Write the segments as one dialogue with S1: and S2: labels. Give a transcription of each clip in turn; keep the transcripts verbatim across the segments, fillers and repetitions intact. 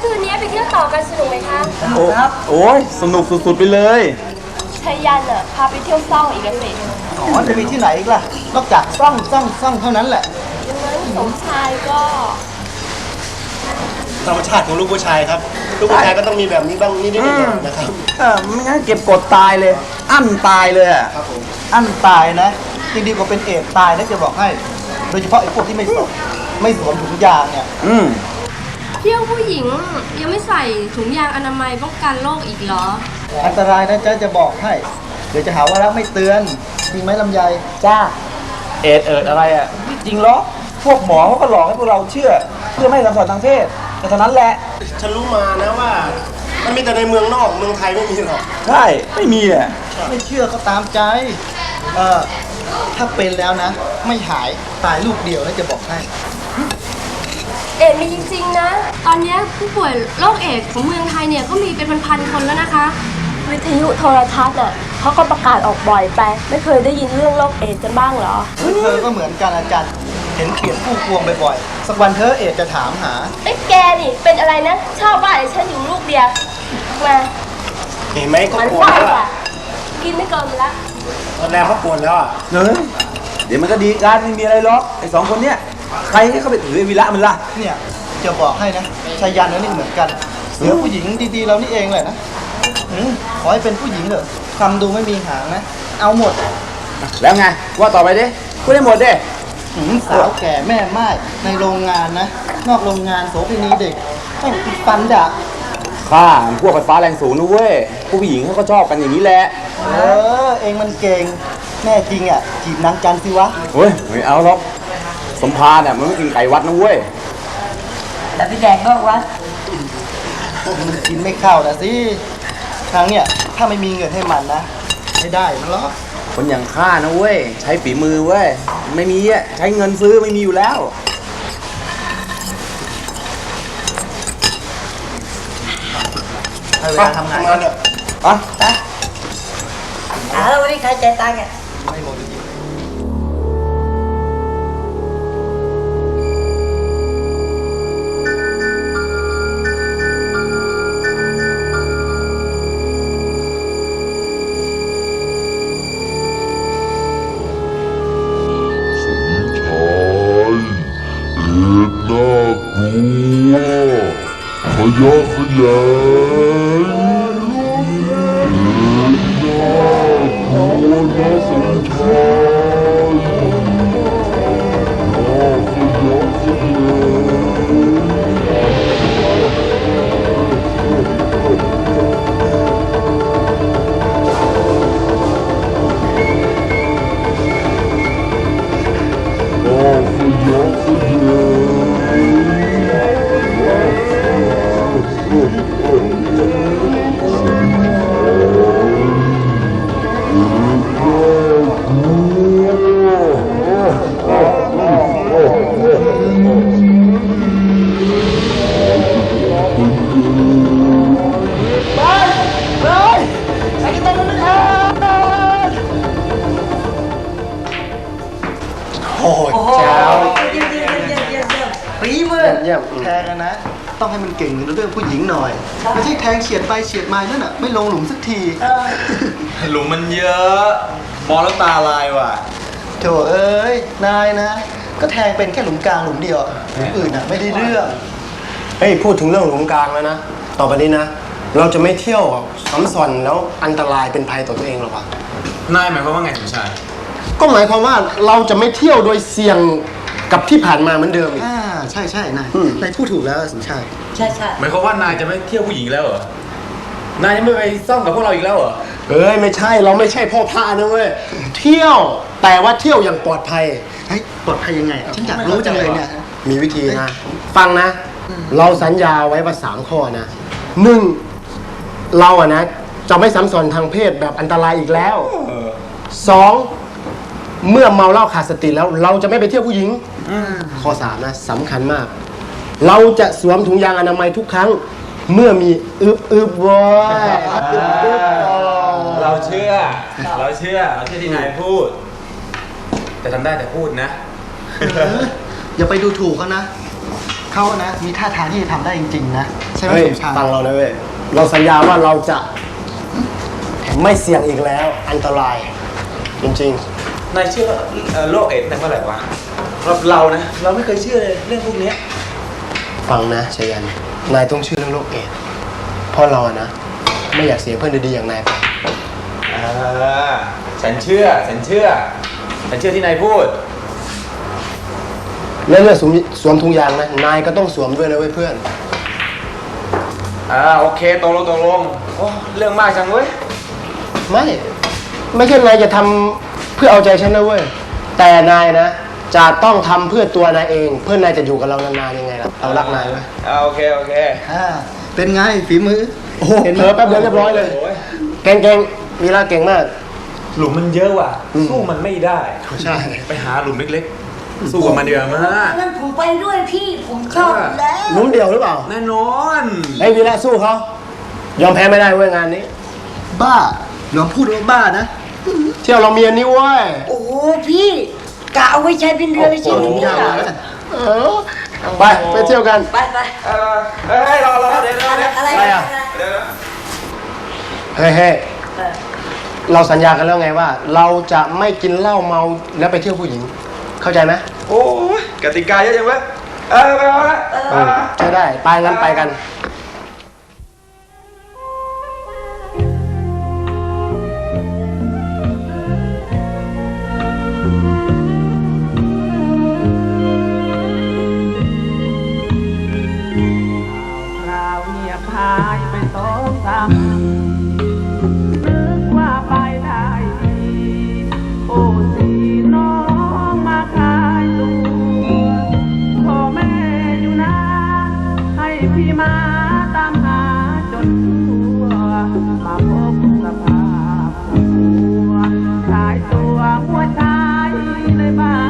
S1: คืนนี้ไปเที่ยวต่อกันสนุกไหมคะ
S2: โอ้ครับโอ้ยสนุกสุดๆไปเลย
S1: ชัยยันอ่ะพาไปเที่ยวซ่องอีกแล้วสิ
S3: อ๋อจะมีที่ไหนอีกล่ะนอกจากซ่องซ่องซ่องเท่านั้นแหละ
S1: ดังนั้นสมชายก็
S4: ธรรมชาติของลูกผู้ชายครับลูกผู้ชายก็ต้องมีแบบนี้บ้างนิดๆนะครับ
S2: เออไม่งั้นเก็บกดตายเลยอั้นตายเลยอ่ะ
S4: ครับผม
S3: อั้นตายนะจริงดีกว่าเป็นเอดตายนะจะบอกให้โดยเฉพาะไอ้พวกที่ไม่สวมไม่สวมถุงยางเนี่ย
S2: อืม
S1: เที่ยวผู้หญิงยังไม่ใส่ถุงยางอนามัยป้องกันโรคอีกเหรอ
S3: อันตรายนะจ๊ะจะบอกให้เดี๋ยวจะหาว่ารักไม่เตือนจริงไหมลำไยจ้า
S2: เอ็ดเอิดอะไรอ่ะจริงเหรอพวกหมอเขาก็หลอกให้พวกเราเชื่อเพื่อไม่ให้สัมผัสทางเพศแต่เท่านั้นแหละ
S4: ฉันรู้มานะว่ามันมีแต่ในเมืองนอกเมืองไทยไม่มีหรอก
S2: ใช่ไม่มีอ่ะ
S3: ไม่เชื่อก็ตามใจเออถ้าเป็นแล้วนะไม่หายตายลูกเดียวนะจะบอกให้
S1: เอดมีจริงๆนะตอนนี้ผู้ป่วยโรคเอดของเมืองไทยเนี่ยก็มีเป็นพันๆคนแล้วนะคะวิทยุโทรทัศน์อ่ะเขาก็ประกาศออกบ่อยไปไม่เคยได้ยินเรื่องโรคเอดกันบ้างเหรอ
S3: เธอก็เหมือนกันอาจารย์เห็นเขียนผู้พวงบ่อยๆสักวันเธอเอดจะถามหา
S1: ไอ้แกนี่เป็นอะไรนะชอบว่าไอ้ฉันอยู่ลูกเดียวมา
S4: เห็นไหมก็ปวดแล้ว
S1: กินไม่เกินละ
S4: ตอนแรกเขาปวดแล้วอ่ะ
S2: เฮ้ยเดี๋ยวมันก็ดีกันไม่มีอะไรหรอกไอ้สองคนเนี้ยใครให้เขาไปถือไอ้วีระมันล่ะ
S3: เนี่ยจะบอกให้นะชายันนี่เหมือนกันเสือผู้หญิงดีๆเรานี่เองแหละนะขอให้เป็นผู้หญิงเถอะทำดูไม่มีหางนะเอาหมด
S2: แล้วไงว่าต่อไปดิพูดได้หมดดิ
S3: สาวแก่แม่ไม้ในโรงงานนะนอกโรงงานโสเภณีเด็กต้องฟันด่า
S2: ข้าพวกไฟฟ้าแรงสูงนะเว้ยผู้หญิงเขาก็ชอบกันอย่างนี้แหละ
S3: เออเองมันเก่งแน่จริงอ่ะจีบนางจันสิวะ
S2: เฮ้ยไม่เอาหรอกสมภารเนี่ยมันไม่กินไก่วัดนะเว้ย
S1: แต่ไปแดกนอกวัด
S3: มันกินไม่เข้านะสิครั้งเนี่ยถ้าไม่มีเงินให้มันนะไม่ได้มันหรอก
S2: คนอย่างข้านะเว้ยใช้ฝีมือเว้ยไม่มีอ่ะใช้เงินซื้อไม่มีอยู่แล้ว
S3: ให้เวลาทำงาน
S4: กันเนี่ย
S2: อ่ะ
S1: ไปอ่าแล้ววันนี้ใครใจตังค์อ่ะ
S3: ไม่หมดจริง
S5: ขยะขยายน่ากลัวน่าสนใจน่าขยะขยแทงนะต้องให้มันเก่งในเรื่องผู้หญิงหน่อยไม่ใช่แทงเฉียดไปเฉียดมานั่นน่ะไม่ลงหลุมสักที
S2: หลุมมันเยอะมองแล้วตาลายว่ะ
S3: โถเอ้ยนายนะก็แทงเป็นแค่หลุมกลางหลุมเดียวหลุมอื่นน่ะไม่ได้เรื่อง
S4: เฮ้ยพูดถึงเรื่องหลุมกลางแล้วนะต่อไปนี้นะเราจะไม่เที่ยวซ้ำซ้อนแล้วอันตรายเป็นภัยต่อตัวเองหรอกวะ
S2: นายหมายความว่าไงสมชาย
S4: ก็หมายความว่าเราจะไม่เที่ยวโดยเสี่ยงกับที่ผ่านมาเหมือนเดิมอีก
S3: อ่าใช่ใช่นายนายพูดถูกแล้วสมชาย
S1: ใช่ใช่
S2: หมายความว่านายจะไม่เที่ยวผู้หญิงแล้วเหรอ นายจะไม่ไปซ่องกับพวกเราอีกแล้วเหรอ
S4: เอ้ยไม่ใช่เราไม่ใช่พ่อพระนะเว้ยเที่ยวแต่ว่าเที่ยวอย่างปลอดภัย
S3: เฮ้ยปลอดภัยยังไงฉันอยากรู้จังเลยเนี่ย
S4: มีวิธีนะฟังนะเราสัญญาไว้ว่าสามข้อนะหนึ่งเราอะนะจะไม่ซ้ำซ้อนทางเพศแบบอันตรายอีกแล้วสองเมื่อเมาเหล้าขาดสติแล้วเราจะไม่ไปเที่ยวผู้หญิงข้อสามนะสำคัญมากเราจะสวมถุงยางอนามัยทุกครั้งเมื่อมีอึบอึบวอย
S2: เราเชื่อเราเชื่อเราเชื่อที่นายพูดแต่ทำได้แต่พูดนะ
S3: อย่าไปดูถูกเขานะเขานะมีท่าทางที่จะทำได้จริงๆนะใช่ไหม
S4: เฮ้ย
S3: สมชาย
S4: ฟังเรานะเว้ยเราสัญญาว่าเราจะไม่เสี่ยงอีกแล้วอันตรายจริง
S2: นายเชื่อเอ่อโรคเอดส์ตั้งเมื่อไหร่วะเราเรานะ เราไม่เคยเชื่อเลยเรื่องพวกเนี้ย
S4: ๆฟังนะชยันนายต้องเชื่อเรื่องโรคเอดส์เพราะเราอะนะไม่อยากเสียเพื่อนดีๆอย่างนายไป
S2: อ่าฉันเชื่อ ฉันเชื่อ ฉันเชื่อที่นายพูด
S4: แล้วเรื่องสวมสวมถุงยางนะนายก็ต้องสวมด้วยนะเว้ยเพื่อน
S2: อ่าโอเคตกลงตกลงโอ้เรื่องมากจังเว้ย
S4: ไม่ไม่ใช่นายจะทำเพื่อเอาใจฉันนะเว้ยแต่นายนะจะต้องทำเพื่อตัวนายเอง เพื่อนายจะอยู่กับเรานานๆยังไงล่ะเรารักนายเว้ย
S2: อ่าโอเคโอเค
S3: อ่าเป็นไงฝีมือ
S4: โอ้โห
S3: เห็นไห
S4: เผม ลอแป๊บเดียวเรียบร้อยเลย
S2: โอ้ย
S4: เก่งๆวีระเก่งมาก
S2: หลุมมันเยอะว่ะ
S4: อืม
S2: สู้มันไม่ได้
S4: ใช่
S2: ไปหาหลุมเล็กๆ สู้กับมันเดียวมา
S6: งั้นผมไปด้วยพี่ผมชอบอยู่แล้ว
S4: ลุ้มเดียวหรือเปล่า
S2: แน่นอน
S4: ไอ้ยวีระสู้เขายอมแพ้ไม่ได้เว้ยงานนี้
S3: บ้าลองพูดว่าบ้านะ
S4: เที่ยวเรามีอันนี้เว้ย
S6: โอ้โหพี่กะเอาไว้ใช้เป็นเรือเลยใช่ไหม
S3: ถุง
S6: เนี่ย
S3: ยางมาแล้วกัน
S4: เออไปไปเที่ยวกัน
S6: ไปไป
S2: เออเฮ้ยรอรอเดี๋ยวเดี๋ยวเดี๋ยว
S6: อะไร
S4: อะไรอะ
S2: เดี๋ยวเดี๋ยว
S4: เฮ้ยเฮ้ยเราสัญญากันแล้วไงว่า เราจะไม่กินเหล้าเมาแล้วไปเที่ยวผู้หญิง เข้าใจไหม
S2: โอ้ยกติกาเยอะจังเว้ยเออไปเอาละ
S4: เออใช่ได้ไปงั้นไปกัน
S7: คราวเงียบหายไปสองสามนึกว่าไปได้ดีโอ้สีน้องมาขายตัวพ่อแม่อยู่นะให้พี่มาตามหาจนทั่วมาพบสภาพหัวชายตัวหัวชายเลยบ้าง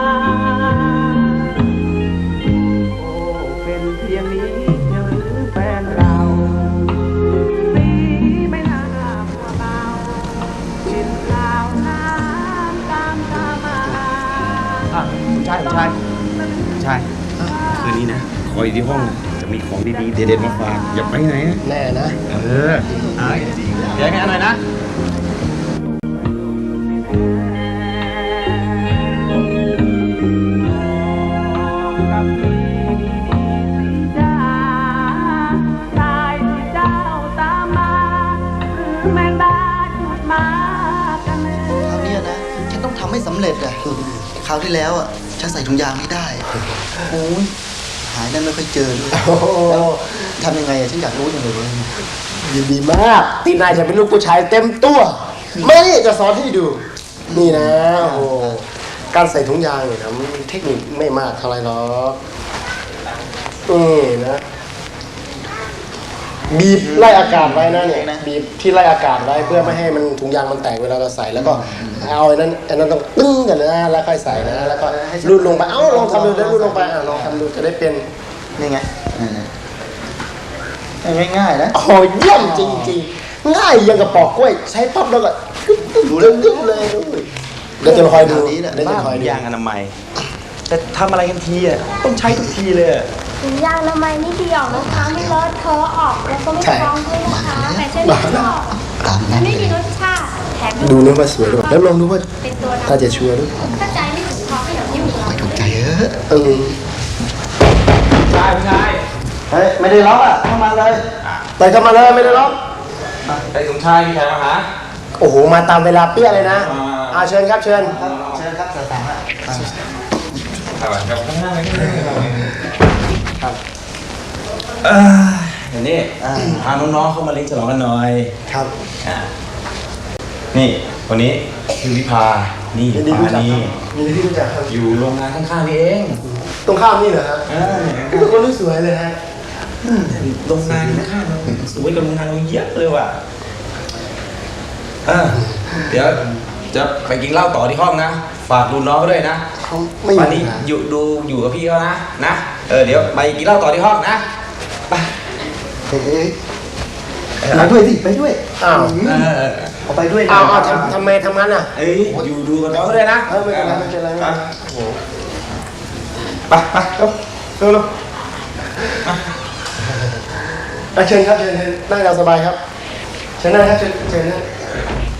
S7: โอ้เป็นเพียงนี้เชียวหรือแฟนเราสีไม่น่ามัวเมากินข้าวน้ำตามตามา
S2: อ่ะใช่ใช่ใช่คืนนี้นะ คอยที่ห้องนะจะมีของดีๆ เด็ดๆมาฝากอย่าไปไหนนะ
S4: แน่นะ
S2: เอออ่ะเดี๋ยวงั้นหน่อยนะ
S7: กับพี่ดีๆสิจ้าชายที่เจ้าตามมา หรือแม่บ้านจุดมากันแน่
S3: คราวเนี้ยนะ ฉันต้องทำให้สำเร็จอะคราวที่แล้วอะฉันใส่ถุงยางไม่ได้ โอ้ยหายได้ไม่ค่อยเจอด้วย
S4: โอ้โห
S3: แล้วทำยังไงอะฉันอยากรู้จังเลยเว้ย
S4: ยินดีมากตีนายจะเป็นลูกผู้ชายเต็มตัวไม่จะสอนให้ดู นี่นะโอ้โหการใส่ถุงยางเนี่ยนะมันมีเทคนิคไม่มากเท่าไหรหรอกนี่นะบีบไล่อากาศไว้นะเนี่ยบีบที่ไล่อากาศไว้เพื่อไม่ให้มันถุงยางมันแตกเวลาเราใส่แล้วก็เอาไอ้นั้นไอ้นั้นต้องตึ้งกันนะแล้วค่อยใส่นะแล้วก็รูดลงไปเอ้าลองทำดูได้รูดลงไปอ่ะลองทำดูจะได้เป็น
S3: นี่ไงอ่าง่ายๆนะ
S4: โอ้เยี่ยมจริงๆ ง่ายยังกับปอกกล้วย ใช้ปั๊บแล้วก็กึ๊บกึ๊บกึ๊บกึ๊บเลยเดี๋ยวจะคอยดู
S3: แบบนี้แหละ
S4: เดี๋ยวจะคอยดู
S2: ยางอนามัย แต่ทำอะไรกันทีอ่ะ ต้องใช้ทุกทีเลยอะ
S1: ถุงยางอนามัยนี่ดีออกนะคะไม่เลอะเทอะออกแล้วก็ไม่ฟองด้วยนะคะแต่เช่นไม่ชอบ
S3: ตาม
S1: มั
S3: นั้น น
S1: ไม่มีรสชาติแถม
S4: ดูนึกว่าสวยหรือเปล่าแล้วลองดูว่า
S1: เป็นตัว
S4: ถ้าจะชัวร์ด้วย
S1: ถ้าใจไม่ถึงพอก็อย่างที่หมู
S3: ไม่ถูกใจเออ
S4: เออ
S2: ใช่ไม่ใช่
S3: เฮ้ย ไม่ได้ล็อกอ่ะ เข้ามาเลย
S4: ไปเข้ามาเลยไม่ได้หรอก
S2: ไอ้สมชายมีใครมาหา
S4: โอ้โห มาตามเวลาเปี้ยเลยนะ
S2: อ่า
S4: อ่าเชิญครับเชิญ
S3: ครับเชิญครับสตางค์อ่ะ
S2: เอาไปเอาข้างหน้าไปข้างหน้าไปครับเออเดี๋ยวนี้พาน้องๆเข้ามาเลี้ยงฉลองกันหน่อย
S4: ครับ
S2: อ่ะนี่คนนี้คือวิภา นี่
S4: ยินดี
S2: ปา
S4: รู้จัก
S2: นี
S4: ครับยินดีที่รู้จักครับ
S2: อยู่โรงงานข้างๆนี่เอง
S4: ตรงข้ามนี่เหรอฮะ
S2: เออ
S4: เป็นคนที่สวยเลยฮะ
S2: โรงงานข้างๆเราสวยกว่าโรงงานเราเยอะเลยว่ะเออเดี๋ยวจะไปกินเหล้าต่อที่ห้องนะ ฝากดูน้องเขาด้วยนะ
S4: เขาไม่
S2: วัน
S4: มี
S2: นี้
S4: นะ
S2: อยู่ดูอยู่กับพี่เขานะ นะ เออเดี๋ยวไปกินเหล้าต่อที่ห้องนะ ไป
S3: เฮ้ยไปด้วยสิ ไปด้วย
S4: อ้าว
S2: เออ
S3: เอาไปด้วยนะ
S4: อ้าวอ้าวทำทำไมทำงั้นอ่ะ
S2: เอ้ยอยู่ดูกับน้องเขาด้วยนะ
S4: เออไม่เป็นไรไม่เป็นไรไม่เป็นไร
S2: ไปไปเร็วเร็วเร็ว
S4: อ่ะเชิญครับเชิญเชิญนั่งตามสบายครับเชิญนั่งครับเชิญเชิญนั่ง